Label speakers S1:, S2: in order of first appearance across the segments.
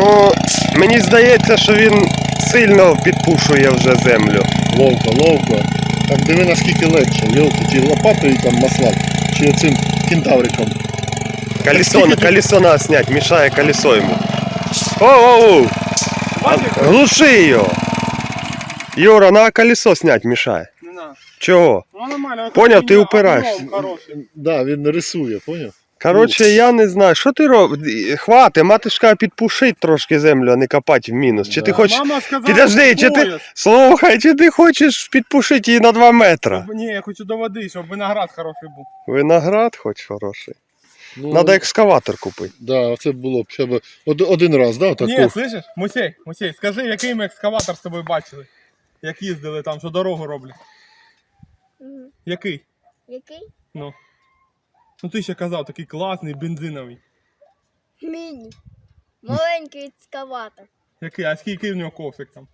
S1: Ну, мені здається, що він сильно підпушує вже землю.
S2: Ловко. Так диви наскільки легше. Йолки, чи лопатою там маслак, чи оцим кентавриком.
S1: Колесо надо снять, мешає колесо йому. Оу! Глуши його! Юра, на колесо снять мешає.
S3: Не надо.
S1: Чого?
S3: Ну нормально.
S1: Поняв, ти упираєшся.
S2: Да, він рисує, поняв?
S1: Коротше, я не знаю, що ти робиш? Хвати, матушка підпушить трошки землю, а не копати в мінус. Чи ти хочеш...
S3: Мама сказала,
S1: Підожди, чи ти... Слухай, чи ти хочеш підпушити її на 2 метри?
S3: Ні, я хочу до води, щоб виноград хороший був.
S1: Виноград хоч хороший.
S2: Ну,
S1: Надо екскаватор купити.
S2: Да, це було б ще б один раз, да, так?
S3: Ні, слышиш? Мусей, скажи, який ми екскаватор з тобою бачили? Як їздили там, що дорогу роблять. Який?
S4: Який?
S3: Ну ти ще казав, такий класний, бензиновий.
S4: Міні. Маленький екскаватор.
S3: Який? А скільки в нього ковшик там?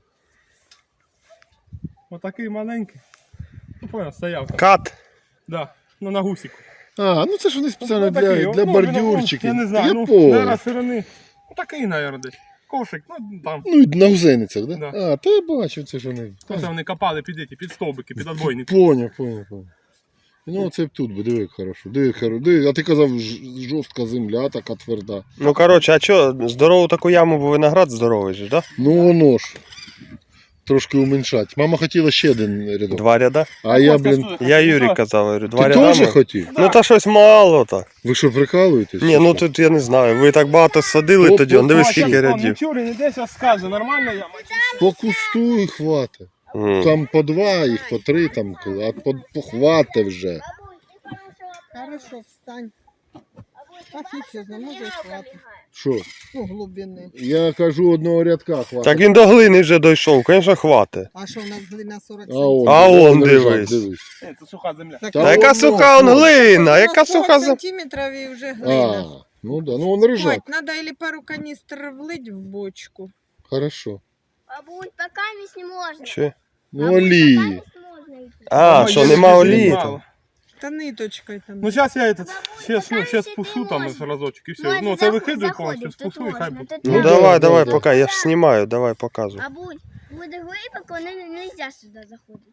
S3: Отакий маленький. Ну понял, стояв там.
S1: Кат.
S3: Да, ну на гусіку.
S2: А, ну це ж вони спеціально
S3: Такий,
S2: для
S3: ну,
S2: бордюрчиків.
S3: Я не знаю, ну,
S2: понял.
S3: наверное, сирени. Ну такий, наверное, десь. Ковшик, ну там.
S2: Ну, і на гузеницях, да?
S3: Да.
S2: А, то я бачив, це ж вони.
S3: Оце вони копали під стовбики, під отбойники.
S2: Поняв. Ну, це тут би, диви, як хорошо. Диви, а ти казав, жорстка земля, така тверда.
S1: Ну, коротше, а що, здорову таку яму, бо виноград здоровий же, да?
S2: Ну, воно ж. Трошки уменьшать. Мама хотіла ще один рядок.
S1: 2 ряда.
S2: А я, блін,
S1: Я Юрій казав, говорю, 2
S2: ти
S1: ряда.
S2: теж хотів?
S1: Ну, та щось мало так.
S2: Ви що, прикалуєтесь?
S1: Ні, ну тут я не знаю, ви так багато садили
S2: Оп,
S1: тоді, он диви
S2: оп,
S1: скільки рядів.
S3: Ну чури, не десь скаже, нормально я.
S2: По кусту і хватить. Там по 2, їх по 3, там, а по хвати вже.
S5: Хорошо, встань. Так і чесно, може і хватить.
S2: Що?
S5: Ну, глибини.
S2: Я кажу, одного рядка хватить.
S1: Так він до глини вже дійшов, звісно, хватить.
S5: А що, у нас глина 40
S2: А он
S1: дивись.
S3: Це суха земля.
S5: Так,
S1: Та яка суха он глина, яка суха земля.
S5: сантиметрів і вже глина.
S2: А, ну да, ну он рижак.
S5: Хватить, надо или пару каністр влить в бочку.
S2: Хорошо.
S4: Бабуль, пока не можна.
S1: Чи?
S2: Ну олії.
S4: Пока не можна йти.
S1: А, що нема олії там?
S5: Та ниточкою там.
S3: Ну зараз я ще спушу там разочок і все. Ну це викидаю повністю, спушу і хай буде.
S1: Ну давай, поки, я ж знімаю, давай показуй.
S4: Бабуль, буде глибоко, не можна сюди заходити.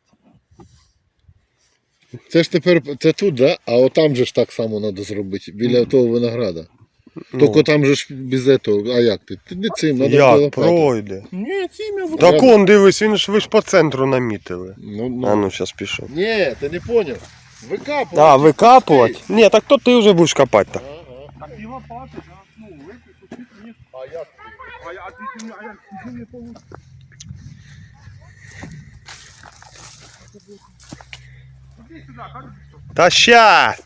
S2: Це ж тепер, це тут, да? А отам же ж так само треба зробити, біля того винограда. Тільки там же ж без этого, а як ти? Ти не цим, треба
S1: Як пройде?
S3: Ні, цим я буду.
S1: Так он, дивись, ви ж по центру намітили.
S2: Ну.
S1: А ну, зараз пішов.
S2: Ні, ти не зрозумів. Викапувати.
S1: А, викапувати? Ні, так то ти вже будеш копати так.
S3: Так і лопати, ну, викупити, ні.
S2: А як?
S3: А я не получу. Іди сюди, кажу, що.
S1: Та щас!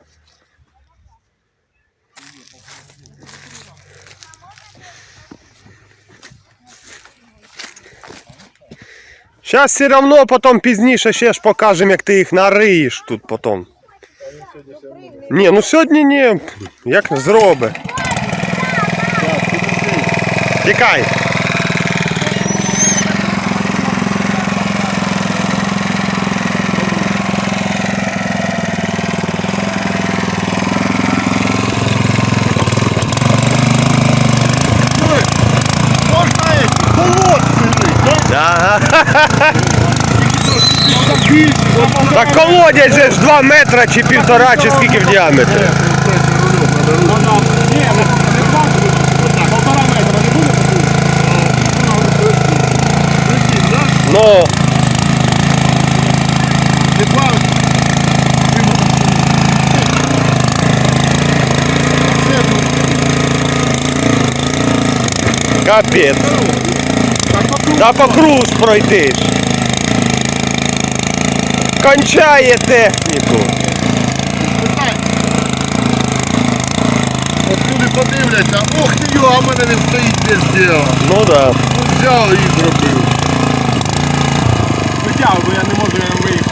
S1: Щас все равно потім пізніше ще ж покажемо, як ти їх нариєш тут потім. Ні, ну сьогодні ні. Як зроби. Тікай. Ага. Так колодязь же ж 2 метри чи 1,5, чи скільки в діаметрі.
S3: Ні, полтора метра не буде?
S1: Ну, капець. Та по круг пройти ж. Кончає техніку.
S2: От люди подивляться, ох ти його, а в мене він стоїть без діла.
S1: Ну да.
S2: Взяв і зробив.
S3: Витягую, бо я не можу виїхати.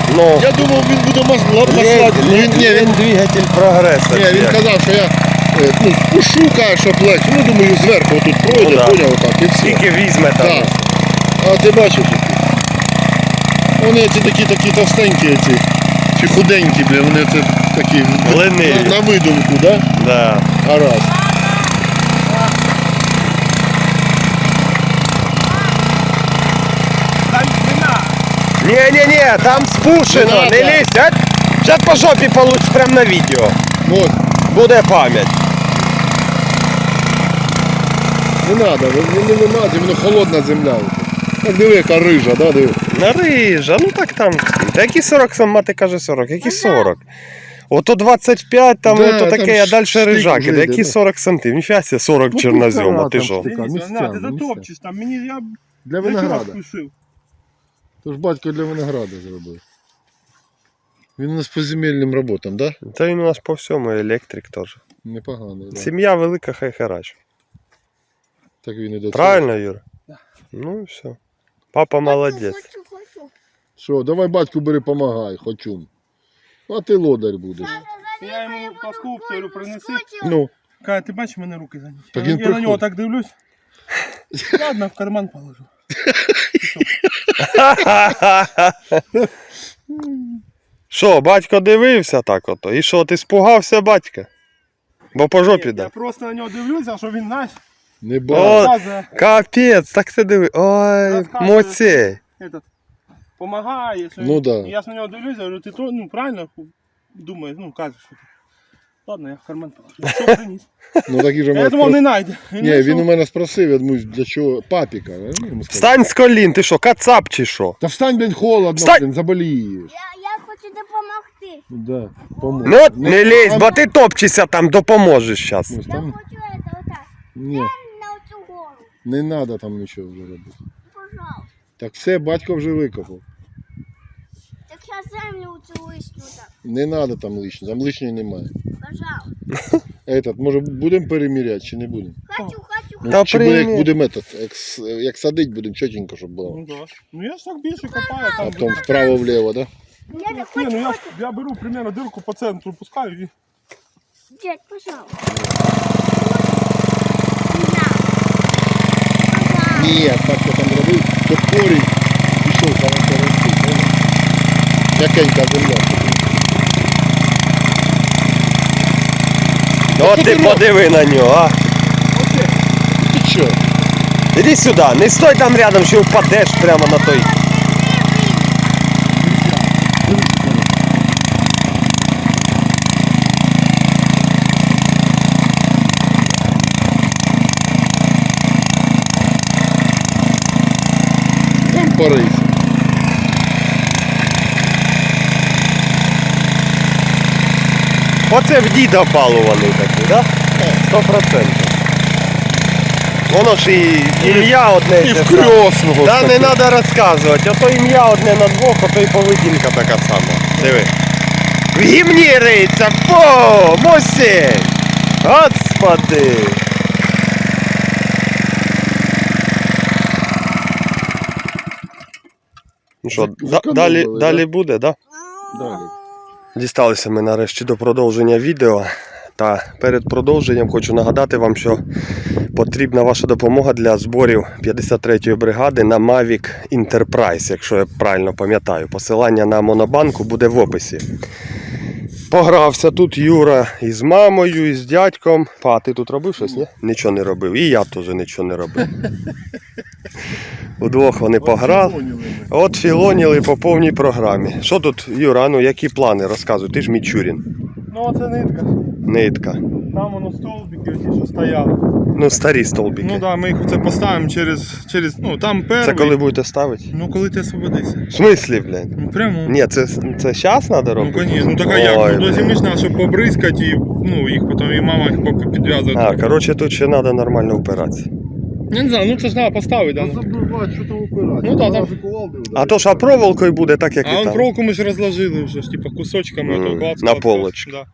S1: Ну,
S2: Я думав, він буде маслати.
S1: він двигатель прогресу.
S2: Ні, він казав, що я спушу, каже, щоб легше. Ну, думаю, зверху тут пройде,
S1: да.
S2: поняв, отак, і все.
S1: Скільки візьме там.
S2: Так. А ти бачиш, які? Вони ці такі товстенькі, ці, чи худенькі, бля, вони це такі
S1: Лениві.
S2: на видумку, да?
S1: Да.
S2: Гаразд.
S3: Там вина.
S1: Не, там спушено,
S2: Не
S1: не
S2: надо.
S1: лізь. А? Зараз по жопі получиш прямо на відео.
S2: От,
S1: Буде пам'ять.
S2: не треба, не вимазі, воно холодна земля. Так диви, яка рижа, да, диви.
S1: Нарижа, ну так там. Та які 40 сам мати каже 40, які 40? Ото 25, там
S2: Да,
S1: ото
S2: там
S1: таке, а далі
S2: штик
S1: рижаки.
S2: вже
S1: Да які
S2: йде,
S1: 40 сантим? Ніфіга себе, 40 чорнозьома, ти що?
S2: штика,
S3: Дивіться,
S2: місцями,
S3: на, ти затопчеш там. Мені я
S2: Для
S3: для чого
S2: винограда.
S3: спішив?
S2: Тож батько для винограда зробив. Він у нас по земельним роботам, да?
S1: Та він у нас по всьому електрик теж.
S2: Непоганий, да.
S1: Сім'я велика, хай харач.
S2: Так він і до цього.
S1: Правильно, Юра? Ну і все. Папа молодець.
S4: Хочу.
S2: Що, давай батьку бери, помагай, хочу. А ти лодар будеш.
S3: Я йому паску говорю, принеси.
S2: Ну,
S3: Каже, ти бачиш, в мене руки зайняті.
S2: Так
S3: Я
S2: він
S3: на нього
S2: приходить.
S3: так дивлюсь. Ладно, в карман положу.
S1: Що, батько дивився так ото? І що, ти спугався батька? Бо по жопі
S3: Я
S1: дав.
S3: просто на нього дивлюся, що він знаєш,
S2: не
S1: О,
S2: бачу.
S3: розказує,
S1: Капець, так це диви. Ой,
S3: Розказує.
S1: моцей.
S3: помагає. Що
S2: Ну
S3: він-
S2: да.
S3: І я ж на нього дивлюся, говорю, ти то, ну правильно думаєш, ну кажеш, що ти. Ладно, я в карман положу. Що приніс?
S2: Ну так і же
S3: Я
S2: мене
S3: думав, не
S2: спрос...
S3: знайде.
S2: Ні, він у мене спросив, я думаю, для чого папіка. Я йому сказав.
S1: Встань з колін, ти що, кацап чи що?
S2: Та встань, блін, холодно,
S1: Встань!
S2: блін, заболієш.
S4: Я хочу допомогти.
S2: Да, помог.
S1: Ну от не лізь, бо ти топчешся там, допоможеш зараз.
S2: Ось
S4: Я
S2: там...
S4: хочу это отак.
S2: Ні,
S4: На оцю гору.
S2: не треба там нічого вже робити.
S4: Пожалуйста.
S2: Так все, батько вже викопав.
S4: Так я землю цю лишню так.
S2: Не треба там лишнього, там лишнього немає.
S4: Пожалуйста.
S2: Этот, може будемо переміряти чи не будемо?
S4: Хочу.
S2: Ну,
S1: Та
S2: чи буде, як
S1: примір.
S2: будемо як садить, будемо чотенько, щоб було.
S3: Ну, да. Ну я ж так більше копаю,
S2: А
S3: там.
S2: потім вправо-вліво, да?
S4: Я не
S3: Ні,
S4: хочу.
S3: ну я беру примерно дирку по центру, пускаю і...
S4: Дядь, пожалуйста.
S2: Ні, так я там робив, то корінь пішов хорошо рости. понял? М'якенька земля.
S1: От ти подиви на нього, а.
S2: Ти що?
S1: Іди сюди, не стой там рядом, що впадеш прямо на той.
S2: Там порийся.
S1: Оце в діда палуваний такий, так? 100%. Воно ж і ім'я одне.
S2: І
S1: те
S2: в
S1: саме.
S2: крьосного.
S1: Та не треба розказувати, ото ім'я одне на двох, ото і поведінка така сама. Диви. В гімні риється, фу, мусі! Господи! Ну що, далі буде, так? Да?
S2: Далі.
S1: Дісталися ми нарешті до продовження відео. Та перед продовженням хочу нагадати вам, що потрібна ваша допомога для зборів 53-ї бригади на Mavic Enterprise, якщо я правильно пам'ятаю. Посилання на Монобанку буде в описі. Погрався тут Юра із мамою, із дядьком. А ти тут робив щось, ні? Нічого не робив. І я теж нічого не робив. Удвох вони пограли. От філоніли по повній програмі. Що тут, Юра, ну які плани? Розказуй, ти ж Мічурін.
S3: Ну оце нитка.
S1: Нитка.
S3: Там воно столбики оті, що стояли.
S1: Ну, старі столбики.
S3: Ну так, да, ми їх оце поставимо через, ну там перший.
S1: Це коли будете ставити?
S3: Ну коли ти освободишся.
S1: В смислі, блядь?
S3: Ну прямо.
S1: Ні, це зараз треба
S3: Ну
S1: робити?
S3: конечно, ну так а як?
S1: Ой,
S3: Ну до
S1: блядь.
S3: зими ж треба, щоб побризкати і ну, їх потім і мама їх підв'язує.
S1: А, коротше, тут ще треба нормально впиратися.
S3: Я не знаю, ну це ж треба поставити, да.
S2: Забивати, що там упирати.
S3: Ну да, там-
S1: А то ж а проволокою буде так, як
S3: А
S1: і
S3: он
S1: там.
S3: проволоку ми ж розложили вже, ж, типа кусочками
S1: Мгм,
S3: ото клацали.
S1: на
S3: все,
S1: полочки.
S3: Да.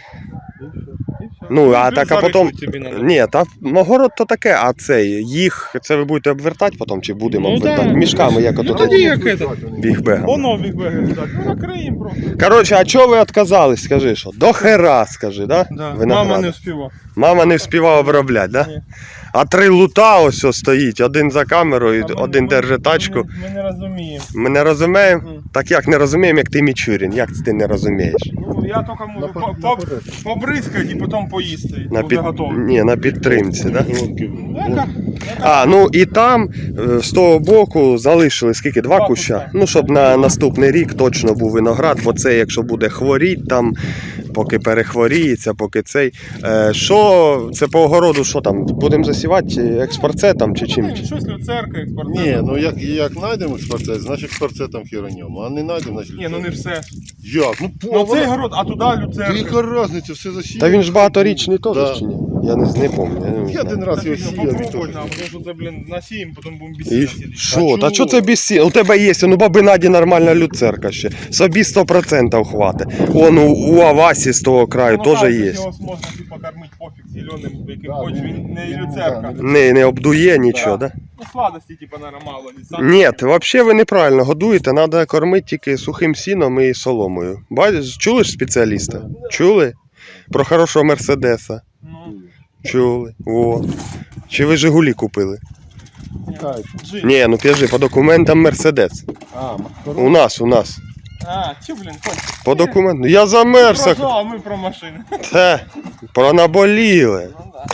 S1: Ну, а так, а потім.
S3: Тобі надо.
S1: Ні, та огород то таке, а цей, їх, це ви будете обвертати потім, чи будемо
S3: Ну,
S1: обвертати?
S3: да.
S1: Мішками, як
S3: Ну,
S1: ото
S3: тоді як це.
S1: бігбегом.
S3: Воно бігбеги так. Ну, накриємо просто.
S1: Коротше, а чого ви відказались, скажи, що? До хера, скажи, да?
S3: Да.
S1: Винограда.
S3: Мама не вспівала.
S1: Мама не вспівала обробляти, да?
S3: Ні.
S1: А 3 лута ось ось стоїть, один за камерою, один держить тачку.
S3: Ми не розуміємо.
S1: Ми не розуміємо?
S3: Мгм.
S1: Так як не розуміємо, як ти Мічурін, як це ти не розумієш?
S3: Ну, я тільки можу побризкати і потім поїсти.
S1: На
S3: Буде
S1: під...
S3: готово.
S1: Ні, на підтримці, да?
S3: Яка?
S1: А, ну і там з того боку залишили скільки? 2
S3: Два
S1: куща?
S3: куща.
S1: Ну, щоб на наступний рік точно був виноград, бо це якщо буде хворіть там, поки перехворіється, поки цей. Що це по огороду, що там? Будемо засівати експорцетом чи чим?
S3: Щось люцерка, експортер.
S2: Ні, ну як знайдемо експорцет, значить експорцетом хіроньому, а не знайдемо, значить
S3: Ні, ну не все.
S2: Як? Ну,
S3: Ну цей город, а туди люцерка.
S2: яка різниця, все засіяно.
S1: Та він ж багаторічний теж
S2: Да.
S1: чи ні? Я не пам'ятаю.
S2: Я один раз його сіяв. і
S3: Попробуй
S2: теж.
S3: нам, тому що це, блін, насіємо, потім будемо
S1: І
S3: бісити.
S1: що?
S2: А
S1: Та що
S2: чого?
S1: це без сіна? У тебе є, ну баби Наді нормальна люцерка ще. Собі 100% хватить. Он у Авасі з того краю теж є.
S3: Його можна типу кормити пофіг зеленим, яким
S2: Да,
S3: хочеш,
S2: він-
S3: він не
S2: він,
S3: люцерка.
S2: да,
S1: Не обдує нічого, да?
S3: Ну сладості, типу, наверное, мало. І сам-
S1: Ні, взагалі ви неправильно годуєте, треба кормити тільки сухим сіном і соломою. Чули ж спеціаліста? Чули? Про хорошого Мерседеса.
S3: Ну,
S1: Чули. О. Чи ви Жигулі купили?
S2: Так.
S3: джин.
S1: Ні, ну кажи, по документам Мерседес. У нас.
S3: А, чи, блін, хоч.
S1: По документам. Я за Мерса.
S3: Про а ми про машини.
S1: Те, пронаболіли.
S3: Ну, да.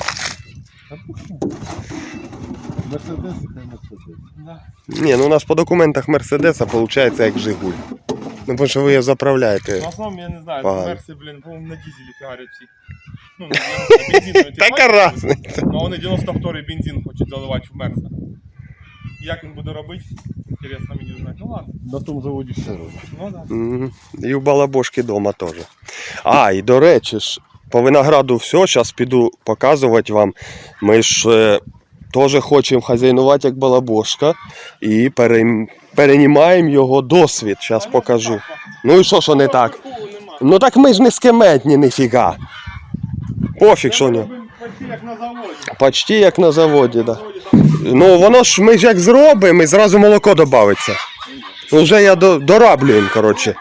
S2: Мерседес, це Мерседес.
S3: Да.
S1: Ні, ну у нас по документах Мерседеса виходить як Жигуль. Ну, тому що ви його заправляєте.
S3: В основному, я не знаю,
S1: Погано.
S3: мерси, блін, по-моєму, на дизелі фігарять всі. Ну, на бензинові.
S1: Така разниця.
S3: Ну, вони 92-й бензин хочуть заливати в мерса. Як він буде робити? Інтересно мені знати. Ну ладно.
S2: На тому заводі все робить.
S3: Ну да.
S1: Мгм. І у Балабошки вдома теж. А, і до речі ж, по винограду все, зараз піду показувати вам. Ми ж теж хочемо хазяйнувати як Балабошка і перенімаємо його досвід. Зараз покажу. Ну і що не так? Ну так ми ж не скеметні, ніфіга. Пофіг, що не.
S3: Почти як на заводі.
S1: Почти як на заводі, так. Да. Ну воно ж ми ж як зробимо, і зразу молоко додається. Вже я дораблюємо, коротше.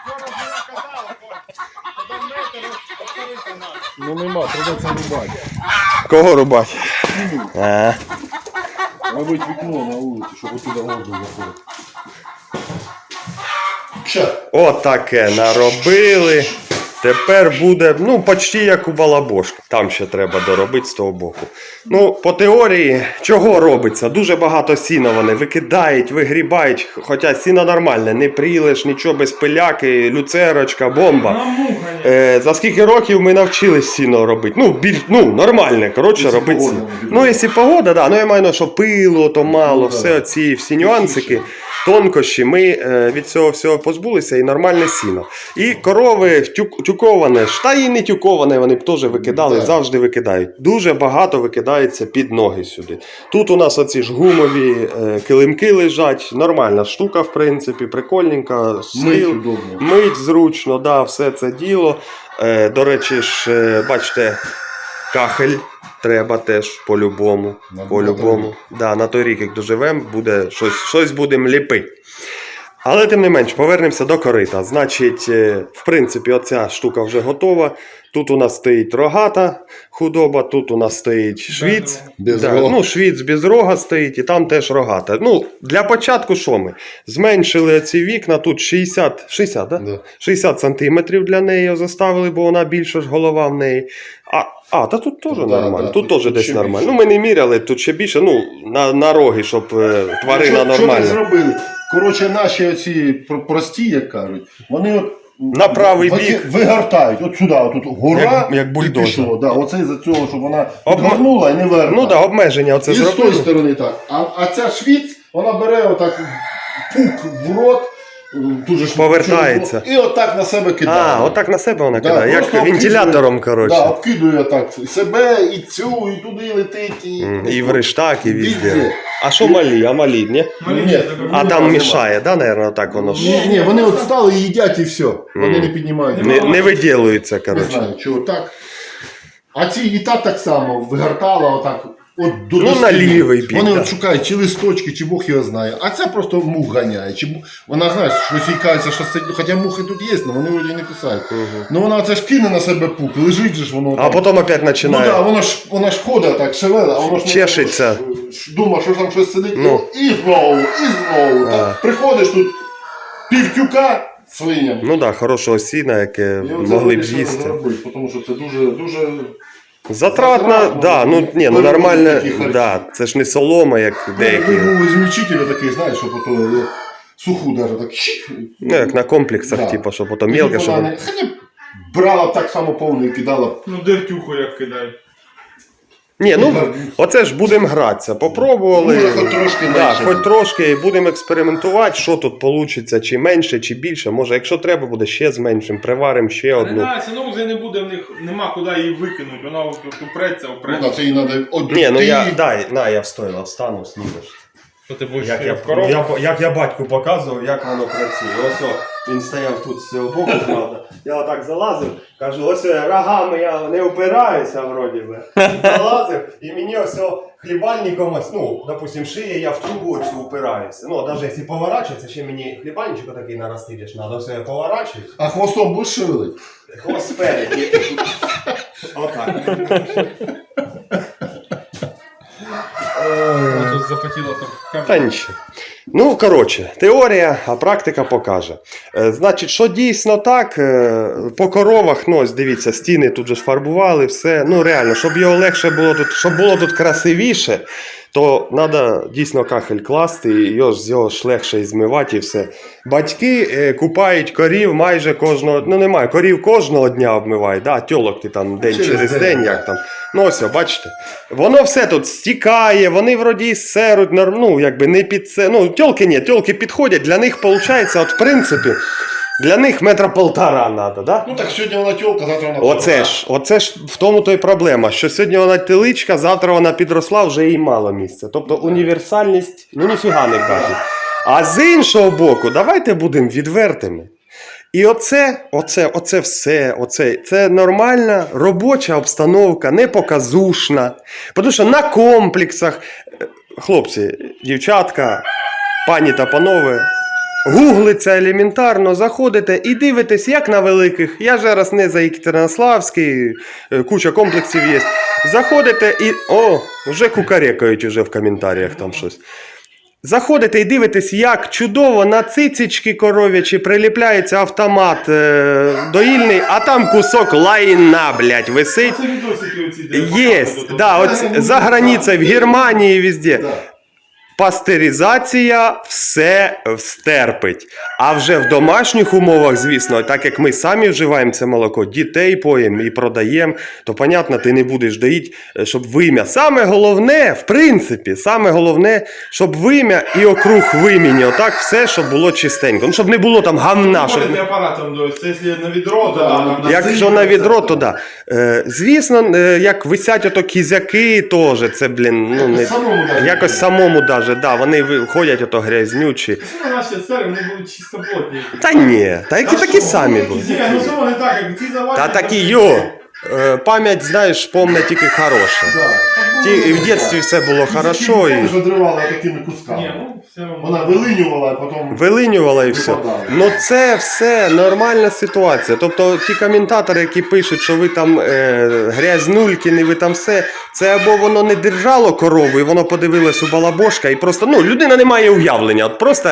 S2: Ну нема, придеться рубати.
S1: Кого рубати? А.
S2: Робить вікно на вулиці, щоб отуди воздух заходив.
S1: Отаке наробили. Тепер буде, ну, почти як у Балабошки. Там ще треба доробити з того боку. Ну, по теорії, чого робиться? Дуже багато сіна вони викидають, вигрібають. Хоча сіно нормальне, не прілиш, нічого без пиляки, люцерочка, бомба. За скільки років ми навчились сіно робити? Ну, нормальне, коротше,
S2: Якщо
S1: робити
S2: погода
S1: сіно.
S2: не
S1: Ну, якщо погода, да. Ну, я маю на що пилу, то мало,
S2: Ну,
S1: все
S2: да.
S1: оці всі нюансики, тонкощі, ми від цього всього позбулися і нормальне сіно. І корови тюковане ж, та і не тюковане, вони б теж викидали,
S2: Так.
S1: завжди викидають. Дуже багато викидається під ноги сюди. Тут у нас оці ж гумові килимки лежать, нормальна штука, в принципі, прикольненька.
S2: Мить
S1: Сил,
S2: удобно.
S1: мить зручно, да, все це діло. До речі ж, бачите, кахель треба теж по-любому.
S2: На
S1: По-любому. Да, на той рік, як доживемо, буде щось будемо ліпити. Але тим не менш, повернемося до корита. Значить, в принципі, оця штука вже готова. Тут у нас стоїть рогата худоба, тут у нас стоїть швіц.
S2: Без
S1: Да,
S2: рога.
S1: ну, швіц без рога стоїть, і там теж рогата. Ну, для початку що ми? Зменшили ці вікна, тут 60, да?
S2: Да.
S1: 60 сантиметрів для неї заставили, бо вона більше ж голова в неї. Та тут теж
S2: Да,
S1: нормально,
S2: да,
S1: тут
S2: тут
S1: теж десь
S2: ще
S1: нормально.
S2: більше.
S1: Ну, ми не міряли, тут ще більше, ну, на роги, щоб тварина
S2: Що так
S1: нормальна.
S2: зробили? Коротше, наші оці прості, як кажуть, вони от
S1: На правий бік.
S2: вигортають. От сюди, отут гора
S1: Як бульдозер.
S2: і пішло. Да, оце із-за цього, щоб вона
S1: Обма-
S2: відгорнула і не вигортає.
S1: Ну так, да, обмеження оце
S2: І з тої
S1: зробили.
S2: сторони так. А ця швіц, вона бере отак пук в рот, тут же ж
S1: Повертається.
S2: І отак на себе кидає.
S1: Отак на себе вона
S2: Да,
S1: кидає, як
S2: просто
S1: вентилятором,
S2: обкидує-
S1: коротше.
S2: Да, обкидує так себе, і цю, і туди летить.
S1: І в рештак, і везде.
S2: Везде.
S1: А що малі? А малі, ні?
S2: Ні,
S1: А там мішає, да, наверное, так воно ж.
S2: Ні, вони от стали і їдять і все. Вони не піднімають.
S1: Не виділується,
S2: Не
S1: коротше.
S2: знаю, чого так. А ці і так само вигортала отак. От до
S1: Ну,
S2: доски.
S1: на лівий бік,
S2: Вони
S1: да.
S2: от шукають чи листочки, чи Бог його знає. А це просто мух ганяє. Вона, знаєш, щось їй кажеться, що сидить. Хоча мухи тут є, але вони вроді не кусають. Ну вона це ж кине на себе пук, лежить же ж воно.
S1: А
S2: там.
S1: потім опять
S2: Ну
S1: починає.
S2: так, вона ж ходить так, шевела, а воно ж
S1: Чешеться.
S2: Думає, що там щось сидить.
S1: Ну.
S2: І знову. Так, приходиш тут півтюка свиням.
S1: Ну так, да, хорошого сіна, яке
S2: І оце
S1: могли б
S2: вирішили
S1: їсти.
S2: зробити, тому що це дуже, дуже
S1: Затратно,
S2: Затратно,
S1: да, ну ні, ну
S2: ну,
S1: нормально,
S2: такі харчі.
S1: да, це ж не солома, як деякі.
S2: був ізмільчитель такий, знаєш, що потім суху навіть так щик.
S1: Ну, як на комплексах,
S2: Да.
S1: типу, що потім мелке, щоб.
S2: Хоча брала так само повну і кидала.
S3: Ну, дертюху як кидають.
S1: Ні, ну оце ж будемо гратися. Попробували.
S2: Може, хоч трошки
S1: да,
S2: менше.
S1: хоч трошки, і будемо експериментувати, що тут вийде, чи менше, чи більше. Може, якщо треба буде ще зменшимо, приваримо ще
S3: Не
S1: одну.
S3: знаю, ну вже не буде в них, нема куди її викинути, вона упреться.
S2: Ну, да, це їй треба.
S1: Ні, ну я, дай, на, я встояла, встану, знімеш.
S3: Що ти будеш
S1: Як
S3: в коробку?
S1: я батьку показував, як воно працює. Ось він стояв тут з цього боку, правда. Я отак залазив, кажу, ось рогами я не опираюся, вроді би. Залазив, і мені ось хлібальником, ось, ну, допустим, шиє, я в трубу цю упираюся. Ну, навіть якщо поворачується, ще мені хлібальничок такий наростилиш, треба, ось я поворачуюсь.
S2: А хвостом будеш шевелити?
S1: Хвост спереді. Отак.
S3: Тут запотіло там.
S1: Та нічого. Ну, коротше, теорія, а практика покаже. Значить, що дійсно так, по коровах, ну, ось дивіться, стіни тут же ж фарбували, все. Ну, реально, щоб його легше було тут, щоб було тут красивіше, то треба дійсно кахель класти, і його ж легше і змивати і все. Батьки купають корів майже кожного, ну немає, корів кожного дня обмивають, да, тьолок ти там день через день, як там. Ну ось, бачите, воно все тут стікає, вони вроді і серуть, ну якби не під це, ну тьолки ні, тьолки підходять, для них виходить, от в принципі, для них 1,5 метра треба, да?
S2: Ну так сьогодні вона тьолка, завтра вона
S1: Оце ж в тому то й проблема, що сьогодні вона теличка, завтра вона підросла, вже їй мало місця. Тобто універсальність, ну ніфіга не кажуть. А з іншого боку, давайте будемо відвертими. І оце все, це нормальна робоча обстановка, не показушна. Тому що на комплексах, хлопці, дівчатка, пані та панове, гуглиться елементарно, заходите і дивитесь, як на великих. Я ж раз не за Екатеринославський, куча комплексів є. Заходите і, вже кукарекають уже в коментарях там щось. Заходите і дивитесь, як чудово на цицички коров'ячі приліпляється автомат доїльний, а там кусок лайна, блядь, висить.
S3: Це відосики оці, де
S1: Єсть,
S3: показують.
S1: да, от за границею, в Германії, везде. Пастеризація все стерпить. А вже в домашніх умовах, звісно, так як ми самі вживаємо це молоко, дітей поїмо і продаємо, то, понятно, ти не будеш доїти, щоб вим'я. Саме головне, в принципі, саме головне, щоб вим'я і округ вим'яні. Отак все, щоб було чистенько. Ну, щоб не було там гамна. Щоб...
S3: Можете апаратом доїти, це якщо на відро, то да.
S1: Якщо на відро, то да. Звісно, як висять ото кізяки теж, це, блін, ну, не... якось самому даже, да, вони ходять ото грязнючі.
S3: Це наші сери, вони були чистоплотні.
S1: Та ні, та які такі самі були.
S3: Ні, ну що вони так, як ці заваді.
S1: Та такі, пам'ять, знаєш, помне тільки хороша. І в дитинстві все було хорошо.
S2: І
S1: І...
S2: ж одривала такими кусками.
S3: Ні, ну все одно.
S2: Вона вилинювала, а потім...
S1: Вилинювала і все.
S2: Випадала.
S1: Ну це все нормальна ситуація. Тобто ті коментатори, які пишуть, що ви там грязнулькіни, ви там все, це або воно не держало корову, і воно подивилось у балабошка, і просто, ну, людина не має уявлення, от просто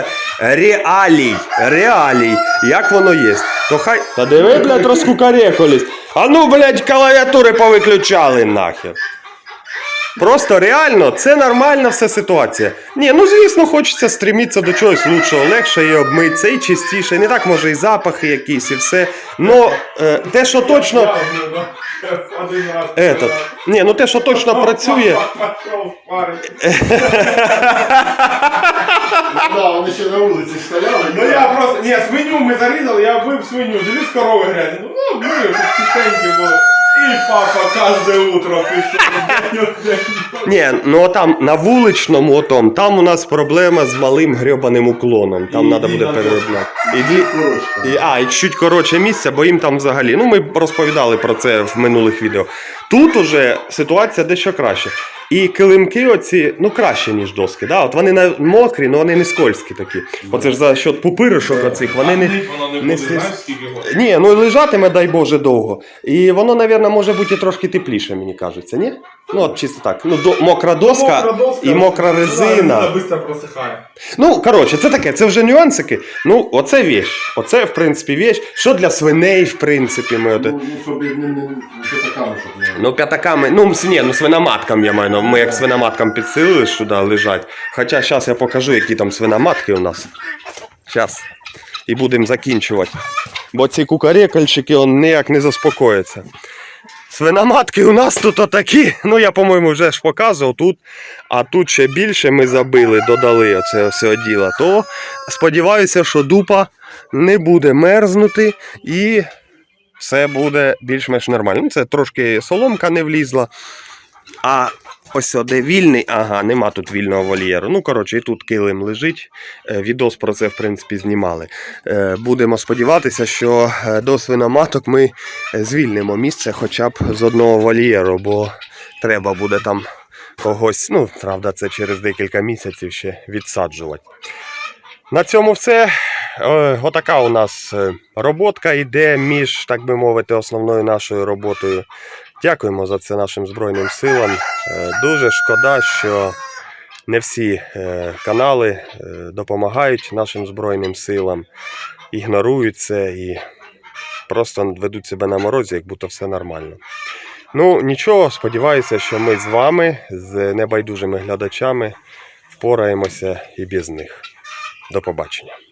S1: реалій, як воно є. То хай, та диви, блядь, розкукарекались. А ну, блядь, клавіатури повиключали нахер. Просто реально, це нормальна вся ситуація. Ні, ну звісно, хочеться стремитися до чогось лучшого, легше і обмитися, і чистіше, не так може і запахи якісь, і все. Но те, що точно...
S3: Один раз.
S1: Ні, ну те, що точно працює...
S3: Пішов парить.
S2: Да, вони ще на вулиці стояли.
S3: Ну я просто, ні, свиню ми зарізали, я вбив свиню, дивись корови грязні. Ну, мию, щоб чистенькі були. І папа кожне утро пішов.
S1: Ні, ну там на вуличному отом, там у нас проблема з малим грьобаним уклоном. Там треба буде переробляти. І чуть коротше місця, бо їм там взагалі. Ну, ми розповідали про це в минулих відео. Тут уже ситуація дещо краще. І килимки оці, ну краще, ніж доски. Да? От вони мокрі, але вони не скользкі такі. Оце ж за счет пупиришок оцих, вони не...
S3: Воно не
S1: не
S3: буде, знаєш, скільки років?
S1: Ні, ну лежатиме, дай Боже, довго. І воно, мабуть, може бути і трошки тепліше, мені кажеться, ні? Ну, от чисто так. Ну, мокра доска і мокра резина.
S3: Вона швидко просихає.
S1: Ну, коротше, це таке, це вже нюансики. Ну, оце вещь. Оце, в принципі, вещь. Що для свиней, в принципі, ми...
S2: Ну, щоб не п'ятаками, щоб не...
S1: Ну, п'ятаками, ну, свиноматкам я маю, ну, ми як свиноматкам підсилили, що сюди лежать. Хоча зараз я покажу, які там свиноматки у нас. Зараз. І будемо закінчувати. Бо ці кукарекальщики, он ніяк не заспокояться. Свиноматки у нас тут отакі, ну я, по-моєму, вже ж показував тут, а тут ще більше ми забили, додали оце все діло, то сподіваюся, що дупа не буде мерзнути і все буде більш-менш нормально. Ну, це трошки соломка не влізла, а ось де вільний, ага, нема тут вільного вольєру. Ну, коротше, і тут килим лежить, відос про це, в принципі, знімали. Будемо сподіватися, що до свиноматок ми звільнимо місце хоча б з одного вольєру, бо треба буде там когось, ну, правда, це через декілька місяців ще відсаджувати. На цьому все. Отака у нас роботка йде між, так би мовити, основною нашою роботою. Дякуємо за це нашим Збройним силам. Дуже шкода, що не всі канали допомагають нашим Збройним силам, ігнорують це і просто ведуть себе на морозі, як будто все нормально. Ну, нічого, сподіваюся, що ми з вами, з небайдужими глядачами, впораємося і без них. До побачення.